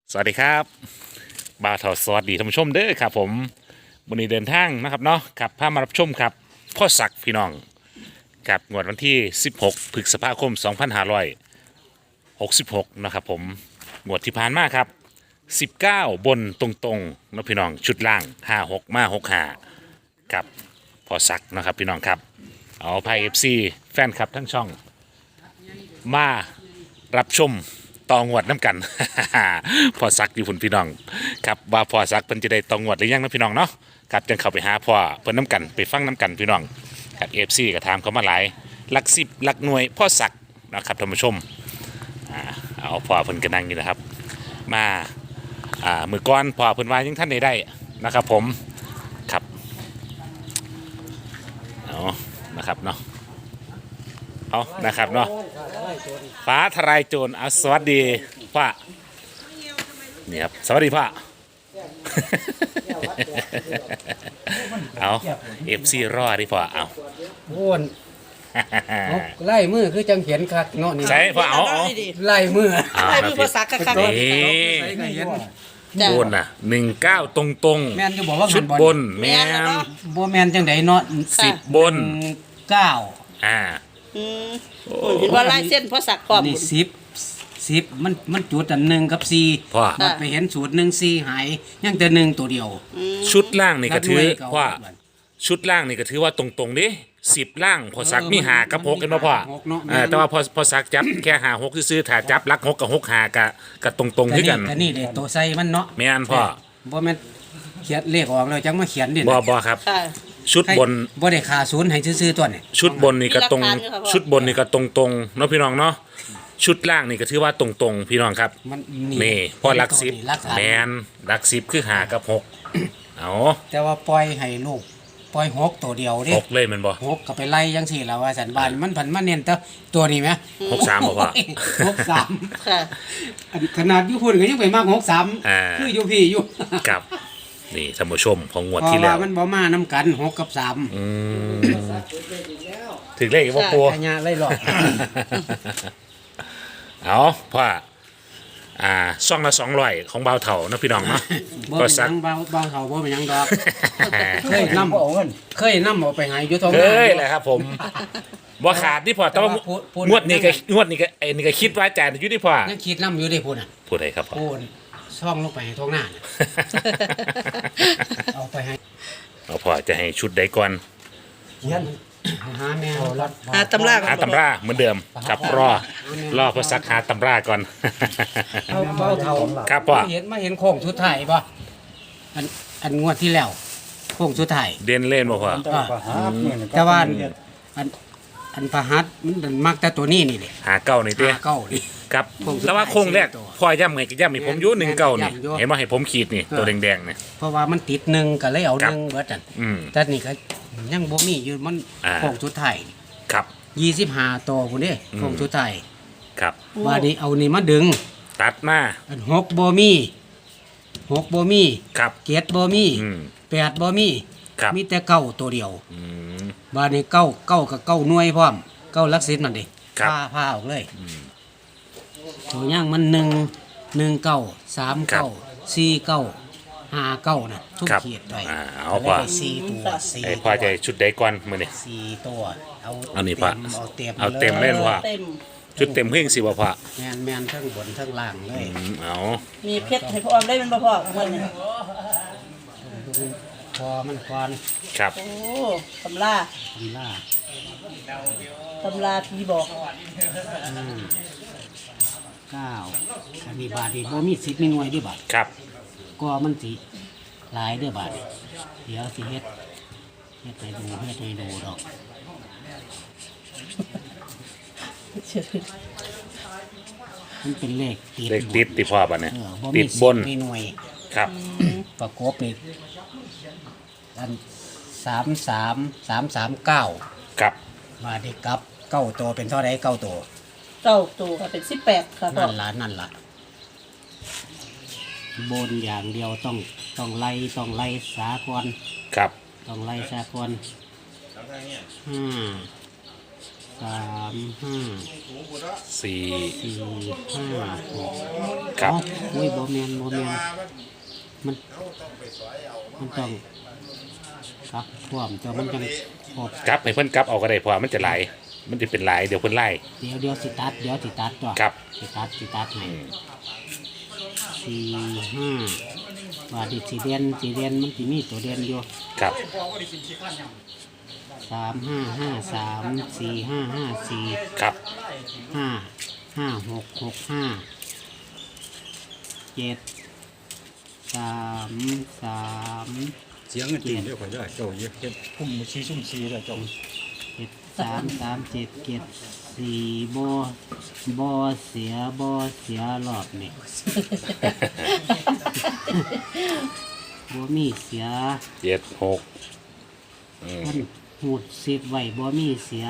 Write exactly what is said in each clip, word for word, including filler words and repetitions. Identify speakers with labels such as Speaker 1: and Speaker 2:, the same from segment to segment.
Speaker 1: สวัสดีครับบ่าวเถาสวัสดีท่านผู้ชมเด้อครับผมวันนี้เดินทางนะครับเนาะครับพามารับชมครับพ่อศักดิ์พี่น้องครับงวดวันที่สิบหกพฤษภาคมสองพันห้าร้อยหกสิบหกนะครับผมงวดที่ผ่านมาครับสิบเก้าบนตรงๆนะพี่น้องชุดล่างห้าหกมาหกห้ากับพ่อศักดิ์นะครับพี่น้องครับเอาไพ่เอฟซีแฟนคลับทั้งช่องมารับชมตองวดน้ำกัน พอซักอยู่พุ่นพี่น้องครับว่าพอซักเพิ่นจะได้ตองวดหรือยังนะพี่น้องเนาะครับจังเข้าไปหาพ่อเพิ่นน้ำกันไปฟังน้ำกันพี่น้องครับเอฟซีก็ถามเขามาหลายหลักสิบหลักหน่วยพ่อซักนะครับท่านผู้ชมอ่าเอาพ่อเพิ่นก็นั่งอยู่นะครับมาอ่ามือก้อนพ่อเพิ่นว่ายังท่านได้ได้นะครับผมครับเอานะครับเนาะเอานะครับเนาะฟ้าทลายโจรเอาสวัสดีพ่อนี่ครับสวัสดีพ่อ เอาเอฟซีรอดิพ่อเอา
Speaker 2: โอ้นเอาไล่มือคือจังเขียนคักเนาะนี่
Speaker 1: ใช่พ่อเอาเอา
Speaker 2: ไล่มือ
Speaker 1: เอา
Speaker 3: ให้
Speaker 1: นะ
Speaker 3: มือ
Speaker 1: พี่
Speaker 3: ภาษาคักๆ
Speaker 1: นี่
Speaker 2: ใส่ก็เห็น
Speaker 3: จ้ะ
Speaker 1: บนน่ะหนึ่งเก้าตรงตรง
Speaker 2: แม่นจะบอกว่า
Speaker 1: ชุดบนแม
Speaker 3: แม่นแล้ว
Speaker 1: น
Speaker 3: เนาะ
Speaker 2: บ่แม่นจังไดเนาะ
Speaker 1: สิบบน
Speaker 2: เก้า
Speaker 1: อ่า
Speaker 3: อืมเห็นว่าลายเส้นเพราะสักพร้อม
Speaker 2: นี่สิบสิบมันมันจุดอันหนึ่งกับสี่
Speaker 1: พ่อ
Speaker 2: มันไปเห็นสูตรหนึ่งสี่หายยังแต่หนึ่งตัวเดียว
Speaker 1: ชุดล่างนี่ก็ถือ
Speaker 2: นับหน่วยเก่า
Speaker 1: ว่าชุดล่างนี่ก็ถือว่าตรงตรงๆดิสิบล่างพอสักมีหากับหกกันมาพ่อ
Speaker 2: หกเนาะ
Speaker 1: อ่าแต่ว่าพอพอสักจับแค่หาหกซื้อๆถ้าจับลักหกกับหกหากะกับตรงตรงๆที่กัน
Speaker 2: แต่นี่เลยตัวใส่มันเนาะ
Speaker 1: แม่นพ่อ
Speaker 2: บ่แม่นเขียนเลขออกแล้วจังมาเขียนดิ
Speaker 1: บอบอครับ
Speaker 3: ค่ะ
Speaker 1: ชุดบน
Speaker 2: บ่ได้ขาศูนย์ให้ซื่อๆตัวนี่
Speaker 1: ชุดบนนี่ก็ตรง
Speaker 3: มีหลักฐานอยู่ครับพ่อ
Speaker 1: ชุดบนนี่ก็ตรงตรงๆเนาะพี่น้องเนาะชุดล่างนี่ก็ถือว่าตรงตรงๆพี่น้องครับ
Speaker 2: มัน
Speaker 1: นี่พอหลักสิบ
Speaker 2: หลักสิบ
Speaker 1: แมนหลักสิบคือหากับหกเอา
Speaker 2: แต่ว่าปล่อยให้ลูกปล่อยหกตัวเดียวเด้
Speaker 1: หกเลยแมันบ่
Speaker 2: หกก็ไปไล่ยังสี่แล้วว่าสันบานมันผันมาเน้นแต่ตัวนี้ไหม
Speaker 1: หกสามบ่พ่อ
Speaker 2: หกสาม
Speaker 3: ค่ะ
Speaker 2: อันขนาดอยุพุ่นก็ยังไปมากหกสาม
Speaker 1: อ่า
Speaker 2: คืออยู่พี่อยู่
Speaker 1: กับนี่ท่านผู้ชมของงวด
Speaker 2: เพ
Speaker 1: ที่
Speaker 2: ราะ
Speaker 1: แล้
Speaker 2: ว่าว มันบ่มาน้ำกันหกกับสาม
Speaker 1: อืมถึงเลขอีกว่าปู
Speaker 2: ขยะไล่หลอก
Speaker 1: เอาพ่ออ่าซ่องละสองร้อยของเบาเถ่านะพี่น้องเนาะ
Speaker 2: บ่
Speaker 1: ก็
Speaker 2: เป็นห
Speaker 1: สั
Speaker 2: ยั
Speaker 1: ก
Speaker 2: งเบาเบาเขาบ่เป็นหยังดอกเคยนำเคยนำเอาไปใหายยุทธ
Speaker 1: เคยเลยครับผมบ่ขาดที่พอแต่ว่า
Speaker 2: พูดพูด
Speaker 1: งวดนี้ก็งวดนี้ก็ไอ้นี่ก็คิดว่าจ่ายอยู่ที่พอ
Speaker 2: ยังคิดนำอยู่ได้พูดน่ะ
Speaker 1: พูดอะไรครับพ่อ
Speaker 2: พูดช่องลงไปให้ท้องหน้าน่ะเอาไปให้
Speaker 1: เอาพอจะให้ชุดใดก่อน
Speaker 2: หาแม่รับ
Speaker 3: หาตำราก่อน
Speaker 1: หาตำราเหมือนเดิมครับรอรอพอสักหาตำราก่อน
Speaker 2: เอาเบาเท่า
Speaker 1: ครับพ่อ
Speaker 2: เห็นมาเห็นโค้งสุดท้ายป่ะอันอันงวดที่แล้วโค้งสุดท้าย
Speaker 1: เด่นเล่นบ่พ่อ
Speaker 2: อ่าแต่ว่าอันอันอันพหัสมันมักแต่ตัวนี้นี่แหละ
Speaker 1: หาเก้านี่เต้
Speaker 2: หาเก้านี่
Speaker 1: ครับ
Speaker 2: โค้งสุดท้าย
Speaker 1: แต่ว่าโค้งแรก
Speaker 2: สี่ตัว
Speaker 1: พ่อย่ำไงก็ย่ำให้ผมอยู่หนึ่งเก้านี่
Speaker 2: ย่ำอยู่
Speaker 1: เห็นว่าให้ผมขีดนี่ตัวแดงๆเนี่ย
Speaker 2: เพราะว่ามันติดหนึ่งก็เลยเอา
Speaker 1: ครั
Speaker 2: ห
Speaker 1: บ
Speaker 2: นึ่งเบิดอัน
Speaker 1: อืม
Speaker 2: แต่นี่ก็ยังบ่มีอยู่มัน
Speaker 1: อ่า
Speaker 2: โค้งสุดท้าย
Speaker 1: ครับ
Speaker 2: ยี่สิบห้าตัวพุ่นเด้โค้งสุดท้าย
Speaker 1: ครับ
Speaker 2: ว่านี้เอานี่มาดึง
Speaker 1: ตัดมา
Speaker 2: อันหกบ่มีหกบ่มี
Speaker 1: ครับ
Speaker 2: เจ็ดบ่มี
Speaker 1: อืม
Speaker 2: แปดบ่มี
Speaker 1: ครับ
Speaker 2: มีแต่เก้าตัวเดียว
Speaker 1: อืม
Speaker 2: บาดนี้เก้าเก้ากับเก้าหน่วยพร้อมเก้าลักษิตนั่นดิ
Speaker 1: ครับ
Speaker 2: ผ้าผ้าออกเลยตัวย่างมันหนึ่งหนึ่งเก้าสามเก้าสี่เก้าห้าเก้านะทุก
Speaker 1: ครับ
Speaker 2: เขียดไป
Speaker 1: อ่าเอา
Speaker 2: ก็
Speaker 1: พ่อ
Speaker 2: เลยได้สี่ตัวสี่
Speaker 1: ไอ้พ่อจะชุดใดก่อนมื้อนี้
Speaker 2: สี่ตัวเอา
Speaker 1: เอานี่พ่อ
Speaker 2: เต็มเอาเต็ม
Speaker 1: เอาเต็ม ล่นว่ะ
Speaker 3: เต็ม
Speaker 1: ชุดเต็มเพิ่งสิบ่พ่อ
Speaker 2: แมนแมนทั้งบนทั้งล่างเลย
Speaker 1: อืมเอา
Speaker 3: มีเพชรให้พ่อออมได้เป็นบ่พ่อเงินเนี่ย
Speaker 2: พอมันควาน
Speaker 1: ครับ
Speaker 3: โอ้ตำรา
Speaker 2: ทำล่า
Speaker 3: ตำราผีบอก
Speaker 2: อืมเก้าอันนี้บาทนี่บ่มีสิบมีหน่วยเด้วยบาท
Speaker 1: ครับ
Speaker 2: ก็มันสิหลายเด้อบาทนี่เดี๋ยวสิเฮ็ดเฮ็ดให้ดูเฮ็ดให้ดูดอก มันเป็นเลขติด
Speaker 1: เลขติดติพ่อบัดเนี่ย
Speaker 2: เออบ่
Speaker 1: ติ
Speaker 2: มี
Speaker 1: ด
Speaker 2: สิ
Speaker 1: บน
Speaker 2: มีหน่วย
Speaker 1: ครับ
Speaker 2: ประกบนี่อันสามสามสามสามเก้า
Speaker 1: ครับ
Speaker 2: มาดิกลับเก้าตัวเป็นเท่าไรเก้าตัว
Speaker 3: เก้าตัวค่ะเป็นสิบแปดค่ะพ่อ
Speaker 2: นั่นละนั่นละบนอย่างเดียวต้องต้องไล่ต้องไล่สากล
Speaker 1: ครับ
Speaker 2: ต้องไล่สากลห้าสามห้า
Speaker 1: สี่
Speaker 2: สี่ห้าหก
Speaker 1: ครับ
Speaker 2: เอ้าอุ้ยบ่แมนบ่แมนมันมันต้องครับพร้อมตัวมันจังครบ
Speaker 1: กลับให้เพิ่นกลับเอาก็ได้เพราะว่ามันจะหลายมันจะเป็นหลายเดี๋ยวเพิ่นไล่
Speaker 2: เดี๋ยวเดี๋ยวสิตัดเดี๋ยวสิตัดตัว
Speaker 1: ครับ
Speaker 2: สิตัดสิตัดให้สี่ห้าบาทที่สี่เดือนสี่เดือนมันสิมีตัวเดือนอยู่
Speaker 1: ครับ
Speaker 2: สามห้าห้าสามสี่ห้าห้าสี่
Speaker 1: ครับ
Speaker 2: ห้าห้าหกหกห้าเจ็ดสามสาม
Speaker 4: เสียงเงินตีนเรียกว่าได้เจ้าเยอะเฮ็ดพุ่มชี้ซุ่มซีแล้วเจ้า
Speaker 2: เจ็ดสามสามเจ็ดเจ็ดสี่บอบอเสียบอเสียรอบนี่ บ่มีเสีย
Speaker 1: เจ็ดหกอืม
Speaker 2: มันหูดสิบไว้บ่มีเสีย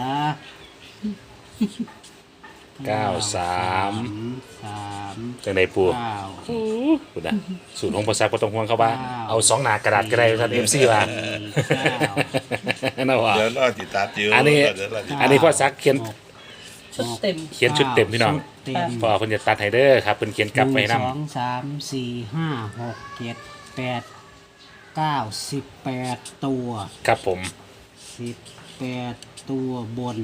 Speaker 1: เก้าสาม
Speaker 2: สาม
Speaker 1: จังไดปู
Speaker 2: เก้า
Speaker 1: พูดนะสูตรของภาษาก็ต้องห่วงเขาบ้าง
Speaker 2: เก้า
Speaker 1: เอาสองหน้ากระดาษก็ได้ท่านเอ็มซีว่า
Speaker 2: เก้า
Speaker 1: น่าว่า
Speaker 5: เดี๋ยวรอติดตามอยู่
Speaker 1: อันนี้
Speaker 5: เดี๋ยวรอติด
Speaker 1: อันนี้พ่อซักเขียน
Speaker 3: ชุดเต็ม
Speaker 1: เขียนชุดเต็มพี่น้อง
Speaker 2: ชุดเต็ม
Speaker 1: พ่อเพิ่นจะตัดให้เด้อครับเพิ่นเขียนกลับไป
Speaker 2: หนึ่ง
Speaker 1: นำ
Speaker 2: สองสามสี่ห้าหกเจ็ดแปดเก้าสิบแปดตัว
Speaker 1: ครับผม
Speaker 2: สิบแปดตัวบน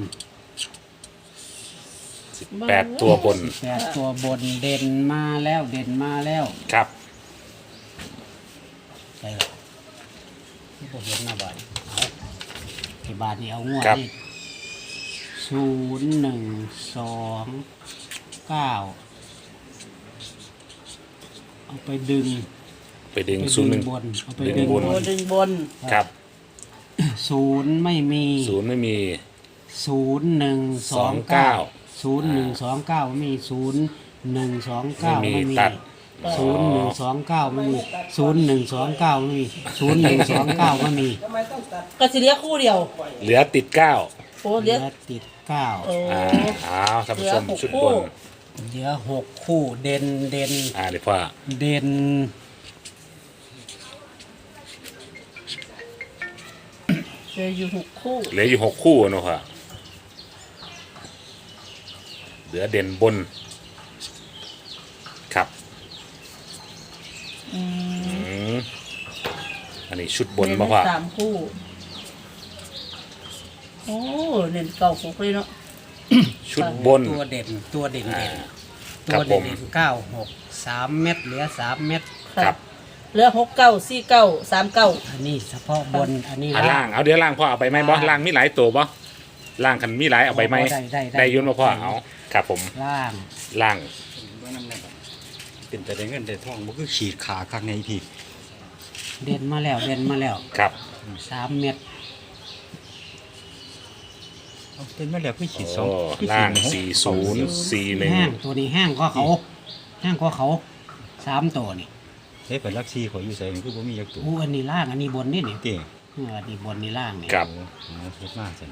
Speaker 1: แปดตัวบน
Speaker 2: แปดตัวบนเด่นมาแล้วเด่นมาแล้ว
Speaker 1: ครับ
Speaker 2: ใช่หรอที่ผมเห็นหน้าบาทเอาไอ้บาทนี่เอางวดนี่ศูนย์หนึ่งสองเก้าเอาไปดึง
Speaker 1: ไปดึง
Speaker 2: ไป
Speaker 1: ศูนย์หนึ่ง
Speaker 2: บนเอาไป
Speaker 1: ดึ
Speaker 2: ดึ
Speaker 1: ง
Speaker 2: ง
Speaker 1: บบ น
Speaker 3: โบ
Speaker 2: น
Speaker 3: ดึงบน
Speaker 1: ครับ
Speaker 2: ศูนย์ไม่มี
Speaker 1: ศูนย์ไม่มี
Speaker 2: ศูนย์หนึ่งสอง
Speaker 1: เก้า
Speaker 2: เก้าศูนย์หนึ่งสองเก้าไม่มีศูนย์หนึ่งสองเก้า
Speaker 1: ไม่มี
Speaker 2: ไม่มี
Speaker 1: ตัด
Speaker 2: ศูนย์หนึ่งสองเก้าไม่มีศูนย์หนึ่งสองเก้าไม่มีศูนย์หนึ่งสองเก้าไม่มี
Speaker 3: ก็สิเหลียคู่เดียว
Speaker 1: เหลือติดเก้า
Speaker 3: โอ้
Speaker 2: เห
Speaker 3: เหลี
Speaker 2: ลื
Speaker 3: ย
Speaker 2: อติดเก้า
Speaker 3: โอ้
Speaker 1: อ่าอ้าวท่านผู้ชม
Speaker 3: เหลือหก
Speaker 1: ชุด
Speaker 3: คู่
Speaker 1: บน
Speaker 2: เหลือหกคู่เด่นเด่น
Speaker 1: อ่าเดี๋ยวพ่อ
Speaker 2: เด่น
Speaker 3: เหลืออยู่หกคู่
Speaker 1: เหลืออยู่หกคู่เนาะพ่อเหลือเด่นบน ครับ
Speaker 3: อืม
Speaker 1: อืมอันนี้ชุดบนมาพ่อ
Speaker 3: เน้นสามคู่ โอ้เน้นเก่าหกเลยเนาะ
Speaker 1: ชุดบน
Speaker 2: ตัวเด่นตัวเด่น
Speaker 1: อ่า
Speaker 2: เด่น
Speaker 1: ค
Speaker 2: ตั
Speaker 1: รั
Speaker 2: ว
Speaker 1: บผ
Speaker 2: เด่
Speaker 1: ม
Speaker 2: นเก้าหกสามเม็ดเหลือสามเม็ด
Speaker 1: ครับ
Speaker 3: เหลือหกเก้าสี่เก้าสามเก้า
Speaker 2: อันนี้เฉพาะบนอันนี้
Speaker 1: อ่าล่างเอาเดี๋ยวล่างพ่อเอาไปไหมบอล่างมีหลายตัวบ่ล่างคันมีหลายเอาไปไหม
Speaker 2: ได้ได้
Speaker 1: ได้ยุ่นมาพ่อเอาครับผม
Speaker 2: ล่าง
Speaker 1: ล่าง
Speaker 4: ว่านั่นแหละเป็นแต่ได้เงินได้ทองมันคือขีดขาข้างในพี่
Speaker 2: เด่นมาแล้วเด่นมาแล้ว
Speaker 1: ครับ
Speaker 2: สามเม็ด
Speaker 4: เอาเป็นมาแล้วคือขีดสอ
Speaker 1: โอ้
Speaker 4: งคือ
Speaker 1: ล่าง
Speaker 4: หก
Speaker 1: สี่ศูนย์สี่หนึ่ง
Speaker 2: แห้งตัวนี้แห้งก็เขาแห้งก็เขาสามตัวนี่
Speaker 4: เฮ้ยไปลักซี่ขออยู่ใส่คือบ่มียักตัว
Speaker 2: อู้อันนี้ล่างอันนี้บนนี่นี่
Speaker 4: เต้
Speaker 2: เอออันนี้บนนี่ล่างนี่
Speaker 1: ครับ
Speaker 4: โอ้เฮ็ดมากจัง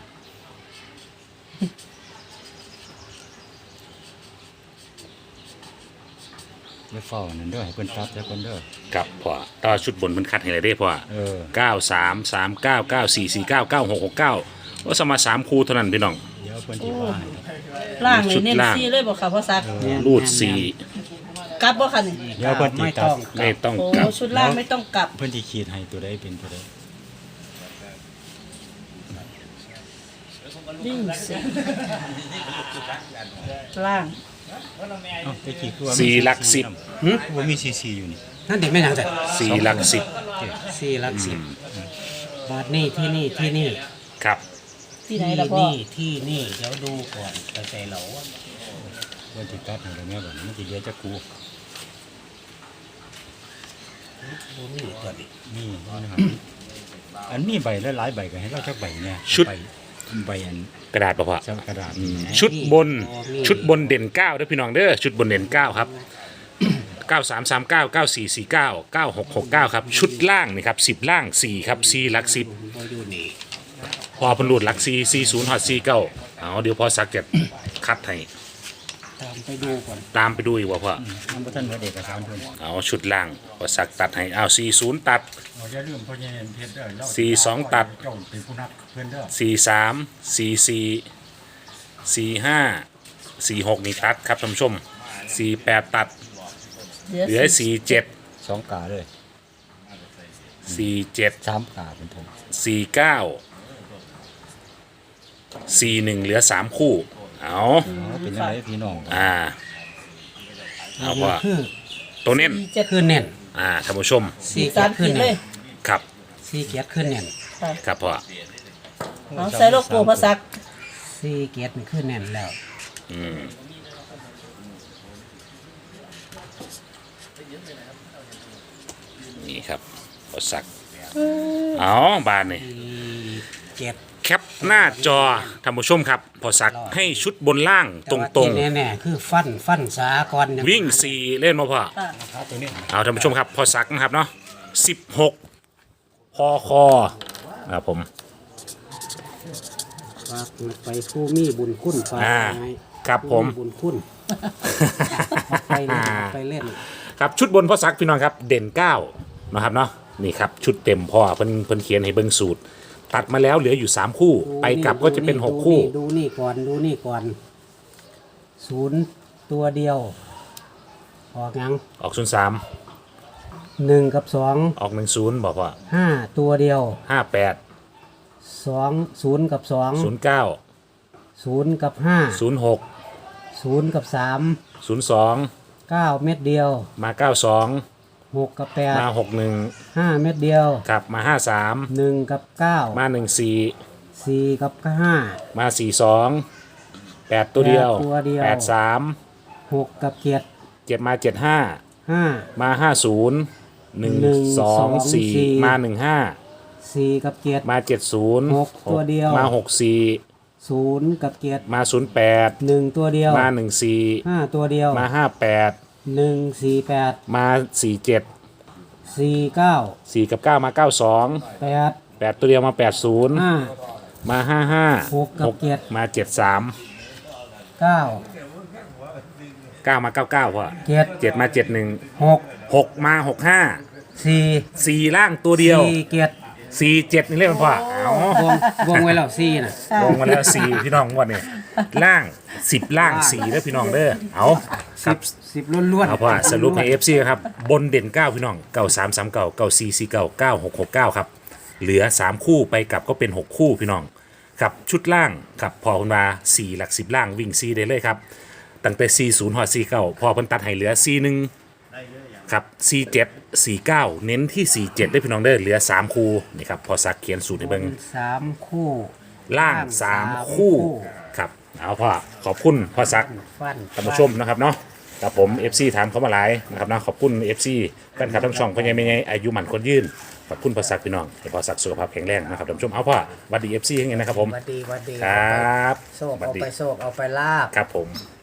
Speaker 4: อย่าเฝ้านั่นเด้อให้เพิ่นตัดแล้วเพิ่นเด้อ
Speaker 1: ครับพ่อต่อชุดบนมันคัดให้เลยได้พ่อ
Speaker 4: เออ
Speaker 1: เก้าสามสามเก้าเก้าสี่สี่เก้าเก้าหกหกเก้าว่าสมาสามคู่เท่านั้นพี่น้อง
Speaker 4: เดี๋ยวเพิ่นสิว่าให้
Speaker 3: ล่างเล
Speaker 1: ชุ
Speaker 3: ย
Speaker 1: ด
Speaker 3: เน้น
Speaker 1: ล่าง
Speaker 3: ซี่เลยบอกค่ะพ่อซัก
Speaker 2: แม่น
Speaker 1: รูดสี่
Speaker 3: กลับบ่ค่ะนี่
Speaker 4: เดี๋ยวเพิ่นสิ
Speaker 2: ไม่
Speaker 4: ตั
Speaker 2: ต้
Speaker 4: ด
Speaker 2: อง
Speaker 1: ไม่ต้อง
Speaker 3: โอ้
Speaker 1: กลับ
Speaker 3: ชุดล่างไม่ต้องกลับ
Speaker 4: เพิ่นสิขีดให้ตัวใดเป็นตัวใด
Speaker 3: วิ่งสิล่าง
Speaker 4: เอ้าแต่กี้คือว่ามี
Speaker 1: สี่หลักสิบ
Speaker 2: หึ
Speaker 4: ว่ามีซีซีอยู่นี่
Speaker 2: นั่นเด็กไม่หนังแต่
Speaker 1: สี่หลักสิบ
Speaker 2: สี่หลักสิบ บาทนี่ที่นี่ที่นี่
Speaker 1: ครับ
Speaker 3: ที่ไหนล่ะพ่อ
Speaker 2: นี่ที่นี่เดี๋ยวดูก่อนกระใส่เหลา
Speaker 4: เพิ่นสิตัดให้แล้วแม่บัดนี้มันสิเหลือจักกู
Speaker 2: ดูนี่ตัวนี้
Speaker 4: นี่นะครับอันมีใบหลายๆใบก็ให้เราจักใบเนี่ย
Speaker 1: ชุด
Speaker 4: ใบใบอัน
Speaker 1: กระดาษป่ะพ่อ
Speaker 4: จับกระดาษ
Speaker 1: อืม
Speaker 4: นี่
Speaker 1: ชุดบนชุดบนเด่นเก้าเด้อพี่น้องเด้อชุดบนเด่นเก้าครับเก้าสามสามเก้าเก้าสี่สี่เก้าเก้าหกหกเก้าครับชุดล่างนี่ครับสิบล่างสี่ครับสี่หลักสิบ
Speaker 2: พออยู่นี่
Speaker 1: พอเพันรูดหลักสี่สี่ศูนย์หอดสี่เก้าเอาเดี๋ยวพอสักจะคัดให้
Speaker 2: ตามไปดูก่อน
Speaker 1: ตามไปดูอีกว่าพ่อ
Speaker 4: มันบ่ทันเหลือเอกสารเพิ่น
Speaker 1: เอาชุดล่างพอสักตัดให้เอาสี่ศูนย์ตัด
Speaker 4: เอาอย่าลืมพ่อใหญ่เพชรเด้อเรา
Speaker 1: สี่สองตัด
Speaker 4: เจ้าเป็นผู้นับเพิ่นเด้อ
Speaker 1: สี่สามสี่สี่สี่ห้าสี่หกนี่ตัดครับท่านผู้ชมสี่แปดตัดเหลือสี่เจ็ด
Speaker 4: สองกาเลย
Speaker 1: สี่เจ็ด
Speaker 4: สามกาเป็นผม
Speaker 1: สี่เก้าสี่หนึ่งเหลือสามคู่เอา
Speaker 4: เอาเป็นยังไงพี่น้อง
Speaker 1: อ่าเอาว่า
Speaker 2: คือ
Speaker 1: ตัวเน้น
Speaker 3: สี่เจ็ด
Speaker 2: คือเน่น
Speaker 1: อ่าท่านผู้ชม
Speaker 3: สี่สาม
Speaker 2: ขึ้
Speaker 3: ขี
Speaker 2: น
Speaker 3: ดเล
Speaker 2: เน่
Speaker 3: ย
Speaker 2: น
Speaker 1: ครับ
Speaker 2: สี่เกียรติขึ้นเน่น
Speaker 3: ค่ะ
Speaker 1: ครับพ่อ
Speaker 3: เอาใส่โลโก้พอสัก
Speaker 2: สี่เกียรตินี่ขึ้นเน่นแล้ว
Speaker 1: อืมนี่ครับพอสักเอาบานนี่
Speaker 2: สี่เกียรติ
Speaker 1: แคปหน้าจอท่านผู้ชมครับพอสักให้ชุดบนล่างตรง
Speaker 2: แน่ๆคือฟันฟันสากร
Speaker 1: ๆ วิ่งสี่เล่นมาพ่อ
Speaker 3: ค่ะ
Speaker 4: ครับตัวนี้
Speaker 1: เอาท่านผู้ชมครับพอสักนะครับเนาะสิบหกพอคอครับผม
Speaker 2: ฝากไปผู้มีบุญคุณฝาก
Speaker 1: อ่า
Speaker 2: ให้
Speaker 1: ครับผม
Speaker 2: ผู้บุญคุณไปเล่นไปเล่น
Speaker 1: ครับชุดบนพ่อซักพี่น้องครับเด่นเก้านะครับเนาะนี่ครับชุดเต็มพ่อเพิ่นเพิ่นเขียนให้เบิ่งสูตร ตัดมาแล้วเหลืออยู่สามคู่ ไปกลับก็จะเป็นหกคู่
Speaker 2: ดูนี่ก่อนดูนี่ก่อนศูนย์ตัวเดียว ออกยัง
Speaker 1: ออกศูนย์สาม
Speaker 2: หนึ่งกับสอง
Speaker 1: ออกหนึ่งศูนย์บอกว่า
Speaker 2: ห้าตัวเดียว
Speaker 1: ห้าแปด
Speaker 2: สองศูนย์กับสอง
Speaker 1: ศูนย์เก้า
Speaker 2: ศูนย์กับห้า
Speaker 1: ศูนย์หก
Speaker 2: ศูนย์กับสาม
Speaker 1: ศูนย์สอง
Speaker 2: เก้าเม็ดเดียว
Speaker 1: มาเก้าสอง
Speaker 2: หกกับแปด
Speaker 1: มาหกหนึ่ง
Speaker 2: ห้าเม็ดเดียว
Speaker 1: กลับมาห้าสาม
Speaker 2: หนึ่งกับเก้า
Speaker 1: มาหนึ่งสี่
Speaker 2: สี่กับห้า
Speaker 1: มาสี่สองแปดตัวเดียว
Speaker 2: แปดตัวเดียว
Speaker 1: แปดสาม
Speaker 2: หกกับเจ็ด
Speaker 1: เจ็ดมาเจ็ดห้า
Speaker 2: ห้า
Speaker 1: มาห้าศูนย์หนึ่ง
Speaker 2: หนึ่ง
Speaker 1: สอง
Speaker 2: สอง
Speaker 1: สี่
Speaker 2: สี่
Speaker 1: มาหนึ่งห้า
Speaker 2: สี่กับเจ็ด
Speaker 1: มาเจ็ดศูนย์
Speaker 2: หกตัวเดียว
Speaker 1: มาหกสี่
Speaker 2: ศูนย์กับเจ็ด
Speaker 1: มาศูนย์แปด
Speaker 2: หนึ่งตัวเดียว
Speaker 1: มาหนึ่งสี่
Speaker 2: ห้าตัวเดียว
Speaker 1: มาห้าแปด
Speaker 2: หนึ่งสี่แปด
Speaker 1: มาสี่เจ็ด
Speaker 2: สี่เก้า
Speaker 1: สี่กับเก้ามาเก้าสอง
Speaker 2: แปด
Speaker 1: แปดตัวเดียวมาแปดศูนย์
Speaker 2: ห้า
Speaker 1: มาห้าห้า
Speaker 2: หกกับเจ็ด
Speaker 1: มาเจ็ดสาม
Speaker 2: เก้า
Speaker 1: เก้ามาเก้าเก้าพ่อ
Speaker 2: เจ็ด
Speaker 1: เจ็ดมาเจ็ดหนึ่ง
Speaker 2: หก
Speaker 1: หกมาหกห้า
Speaker 2: สี่
Speaker 1: สี่ล่างตัวเดียว
Speaker 2: สี่เจ็ด
Speaker 1: สี่เจ็ดนี่เรียกมันพ่อเอา
Speaker 2: วงวงไว้แล้วสี่น่ะ
Speaker 1: ลงมาแล้วสี่พี่น้องงวันนี้ล่างสิบล่างสี่เด้อพี่น้องเด้อเอาค
Speaker 2: สิ
Speaker 1: รับบ
Speaker 2: สิบล้วนๆ
Speaker 1: เอาพ่อสรุปให้เอฟซีครับบนเด่นเก้าพี่น้องเก้าสามสามเก้าเก้าสี่สี่เก้าเก้าหกหกเก้าครับเหลือสามคู่ไปกลับก็เป็นหกคู่พี่น้องครับชุดล่างครับพอคุณมาสี่หลักสิบล่างวิ่งซีได้เลยครับตั้งแต่สี่ศูนย์หอดสี่เก้าพอเพิ่นตัดให้เหลือสี่หนึ่งครับสี่เจ็ดสี่เก้าเน้นที่สี่เจ็ดได้พี่น้องเด้อเหลือสามคู่นี่ครับพอสักเขียนสูตรให้เบิ่ง
Speaker 2: สามคู่
Speaker 1: ล่างสามคู่ครับเอาพ่อขอบคุณพ่อซัก
Speaker 2: ฟัน
Speaker 1: ท่านผู้ชมนะครับเนาะกับผม เอฟ ซี ถามเขามาหลายนะครับนะขอบคุณ เอฟ ซี แฟนคลับทั้งช่องพญาไม่ไงอายุหมันคนยืนขอบคุณพ่อซักพี่น้องให้พ่อซักสุขภาพแข็งแรงนะครับท่านผู้ชมเอาพ่อหวัดดี เอฟ ซี ยังไงนะครับผม
Speaker 2: หวัดดีหวัดดี
Speaker 1: ครับ
Speaker 2: โศก
Speaker 1: หวัด
Speaker 2: เอา
Speaker 1: ดี
Speaker 2: ไปโศกเอาไปลาบ
Speaker 1: ครับผม
Speaker 2: ค